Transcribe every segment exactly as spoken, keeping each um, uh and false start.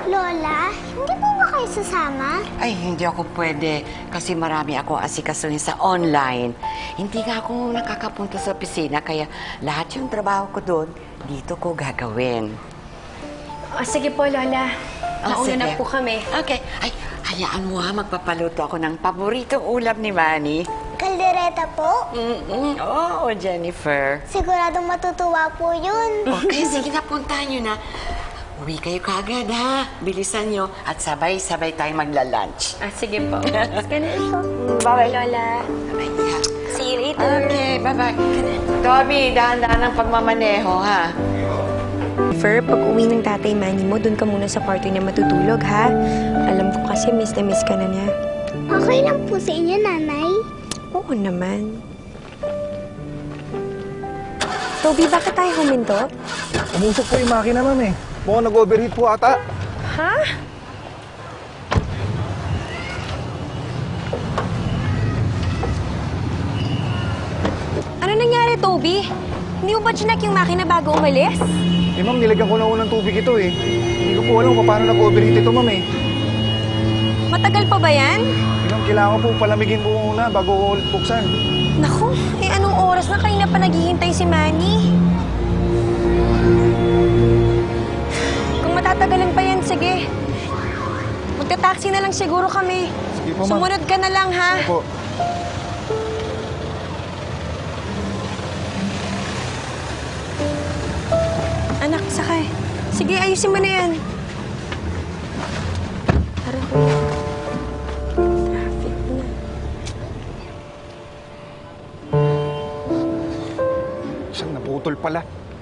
Lola, hindi po ba kayo sasama? Ay, hindi ako pwede kasi marami akong asikasuhin sa online. Hindi nga ako nakakapunta sa opisina kaya lahat yung trabaho ko doon, dito ko gagawin. O, sige po, Lola. Ah, Nauna na sige. po kami. Okay. Ay, hayaan mo ha, magpapaluto ako ng paboritong ulam ni Manny. Kaldereta po? Mm-mm. Oo, Jennifer. Siguradong matutuwa po yun. Okay, sige na, puntahan nyo na. Uwi kayo kagad ha. Bilisan nyo at sabay-sabay tayong magla-lunch. Ah, sige po. Sige na po. Bye, Lola. Bye, ha. See you later. Okay, bye-bye. Toby, dahan-dahan ang pagmamaneho ha. Fer, pag uwi ng tatay Manny mo, doon ka muna sa kwarto niya matutulog, ha? Alam ko kasi miss na miss ka na niya. Okay lang po sa inyo, nanay. Oo naman. Toby, bakit tayo huminto? Umusok po yung makina, ma'am eh. Mukhang nag-overheat po ata. Ha? Ano nangyari, Toby? Hindi mo ba chinek yung makina bago umalis? Eh, ma'am, nilagyan ko na unang tubig ito eh. Hindi ko po alam kung paano nag-overheat ito, ma'am eh. Matagal pa ba yan? Eh, ma'am, kailangan po palamigin po muna bago ko ulit buksan. Naku, eh anong oras na kanina pa naghihintay si Manny? Kung matatagalan pa yan, sige. Magta-taxi na lang siguro kami. Sige po, ma'am. Sumunod ka na lang, ha? Opo. Anak, sakay. Sige, ayusin mo na yan. Tara, kuya. Traffic na. Siyang naputol pala.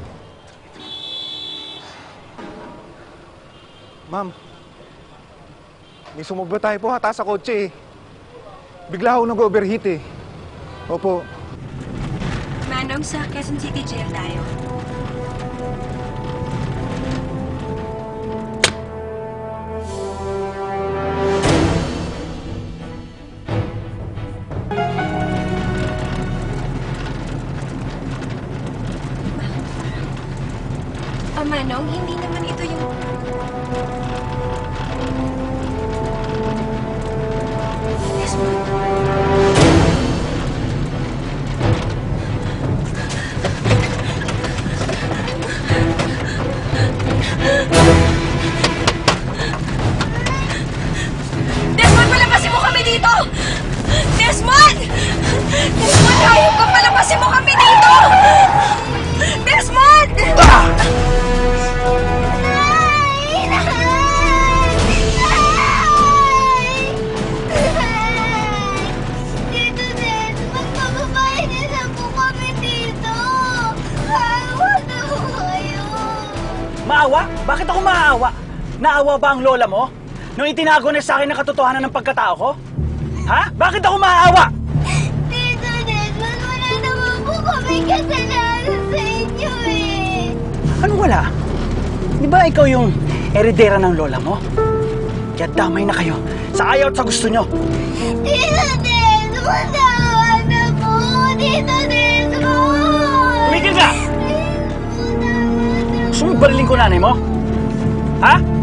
Ma'am, may sumobra tayo po hata sa kotse eh. Bigla ako nag-overheat eh. Opo. Manong, sa Quezon City Jail tayo. Ah, Manong, hindi naman ito yung... Yes, ma'am. Desmond, palabasin mo kami dito! Desmond! Desmond, hayop ka! Palabasin mo kami dito! Desmond! Nay! Nay! Nay! Dito din, magpababae din na po kami dito. Awa na po kayo. Maawa? Bakit ako maaawa? Naawa ba ang lola mo? Nung itinago na sa akin ang katotohanan ng pagkatao ko? Ha? Bakit ako maaawa? Dito din, wala naman po kami kasalanan sa inyo eh. Ano wala? Di ba ikaw yung eredera ng lola mo? Kaya damay na kayo sa ayaw at sa gusto nyo. Dito din, matawa na po. Dito din, Tumigil ka! Gusto mo barilin ko nanay mo? Ha?